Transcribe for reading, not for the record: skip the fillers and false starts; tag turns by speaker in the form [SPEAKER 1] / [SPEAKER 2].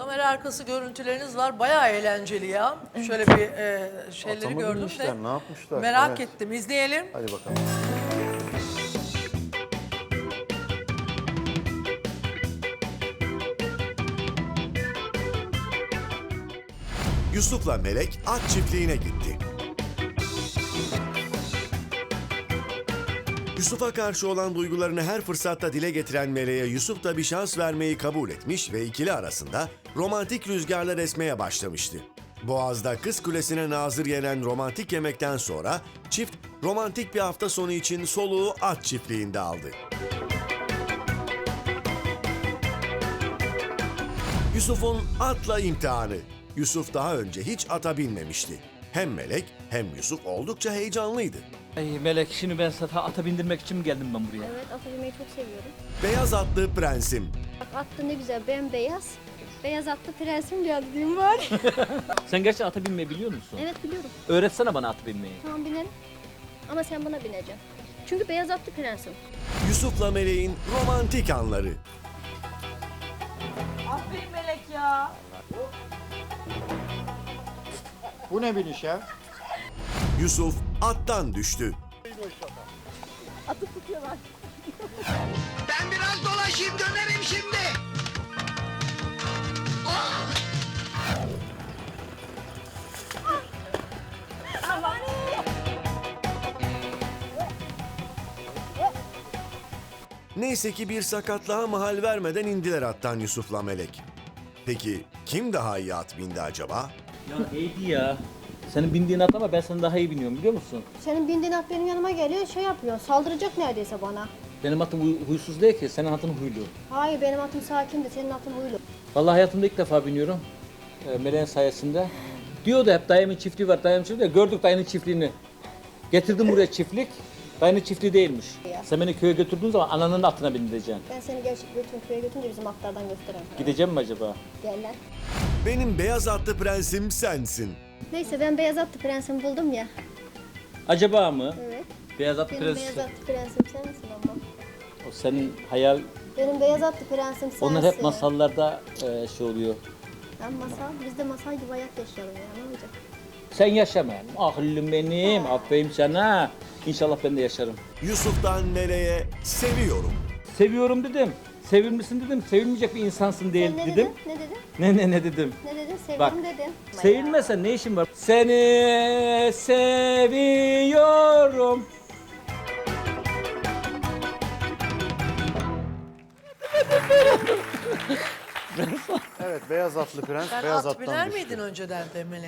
[SPEAKER 1] Kamera arkası görüntüleriniz var. Bayağı eğlenceli ya. Şöyle bir şeyleri
[SPEAKER 2] Atamadı
[SPEAKER 1] gördüm
[SPEAKER 2] işler,
[SPEAKER 1] de.
[SPEAKER 2] ne yapmışlar?
[SPEAKER 1] Merak
[SPEAKER 2] Evet.
[SPEAKER 1] ettim. İzleyelim.
[SPEAKER 2] Hadi bakalım.
[SPEAKER 3] Yusuf'la Melek at çiftliğine gitti. Yusuf'a karşı olan duygularını her fırsatta dile getiren Melek'e Yusuf da bir şans vermeyi kabul etmiş ve ikili arasında romantik rüzgarlar esmeye başlamıştı. Boğaz'da Kız Kulesi'ne nazır yenen romantik yemekten sonra çift romantik bir hafta sonu için soluğu at çiftliğinde aldı. Yusuf'un atla imtihanı. Yusuf daha önce hiç ata binmemişti. Hem Melek hem Yusuf oldukça heyecanlıydı.
[SPEAKER 4] Ay Melek, şimdi ben sana ata bindirmek için mi geldim ben buraya?
[SPEAKER 5] Evet, ata binmeyi çok seviyorum.
[SPEAKER 3] Beyaz atlı prensim.
[SPEAKER 5] Bak at da ne güzel, bembeyaz. Beyaz atlı prensim geldiğim var.
[SPEAKER 4] Sen gerçekten ata binmeyi biliyor musun?
[SPEAKER 5] Evet biliyorum.
[SPEAKER 4] Öğretsene bana ata binmeyi.
[SPEAKER 5] Tamam binelim. Ama sen bana bineceksin. Çünkü beyaz atlı prensim.
[SPEAKER 3] Yusuf'la Melek'in romantik anları.
[SPEAKER 6] Aferin Melek ya.
[SPEAKER 2] Bu ne biniş ya?
[SPEAKER 3] Yusuf attan düştü.
[SPEAKER 5] Atı tutuyorlar.
[SPEAKER 7] Ben biraz dolaşayım dönerim şimdi.
[SPEAKER 3] Neyse ki bir sakatlığa mahal vermeden indiler attan Yusuf'la Melek. Peki kim daha iyi at bindi acaba?
[SPEAKER 4] Ya neydi ya? Senin bindiğin at ama ben sana daha iyi biniyorum, biliyor musun?
[SPEAKER 5] Senin bindiğin at benim yanıma geliyor, şey yapıyor, saldıracak neredeyse bana.
[SPEAKER 4] Benim atım huysuz değil ki, senin atın huylu.
[SPEAKER 5] Hayır, benim atım sakindi, senin atın huylu.
[SPEAKER 4] Vallahi hayatımda ilk defa biniyorum. Melek'in sayesinde. Diyordu hep dayımın çiftliği var, dayımın çiftliği var. Gördük dayının çiftliğini. Getirdim buraya çiftlik. Dayının çiftliği değilmiş.
[SPEAKER 5] Ya.
[SPEAKER 4] Sen beni köye götürdüğün zaman ananın atına bindireceksin.
[SPEAKER 5] Ben seni gerçek bütün köye götürünce bizim atlardan göstereyim.
[SPEAKER 4] Gideceğim mi acaba?
[SPEAKER 5] Gel lan.
[SPEAKER 3] Benim beyaz atlı prensim sensin.
[SPEAKER 5] Neyse ben beyaz atlı prensimi buldum ya.
[SPEAKER 4] Acaba mı?
[SPEAKER 5] Evet.
[SPEAKER 4] Beyaz atlı
[SPEAKER 5] Benim
[SPEAKER 4] prens.
[SPEAKER 5] beyaz atlı prensim sensin ama.
[SPEAKER 4] O senin hayal.
[SPEAKER 5] Benim beyaz atlı prensim sensin.
[SPEAKER 4] Onlar hep masallarda şey oluyor.
[SPEAKER 5] Ben masal, biz de masal gibi hayat yaşayalım ya, ne olacak?
[SPEAKER 4] Sen yaşama. Ahlım benim. Aferin sana. İnşallah ben de yaşarım.
[SPEAKER 3] Yusuf'tan Melek'e seviyorum.
[SPEAKER 4] Seviyorum dedim. Sevilmişsin dedim. Sevilmeyecek bir insansın değil
[SPEAKER 5] Sen ne
[SPEAKER 4] dedim.
[SPEAKER 5] dedin? Ne dedin?
[SPEAKER 4] Ne dedim?
[SPEAKER 5] Ne dedin?
[SPEAKER 4] Bak,
[SPEAKER 5] Seviyorum dedin.
[SPEAKER 4] Sevilmesen ne işin var? Seni seviyorum.
[SPEAKER 2] Evet, beyaz atlı prens,
[SPEAKER 1] Sen
[SPEAKER 2] beyaz
[SPEAKER 1] at
[SPEAKER 2] attan
[SPEAKER 1] biner
[SPEAKER 2] düştü.
[SPEAKER 1] miydin önceden de Melek?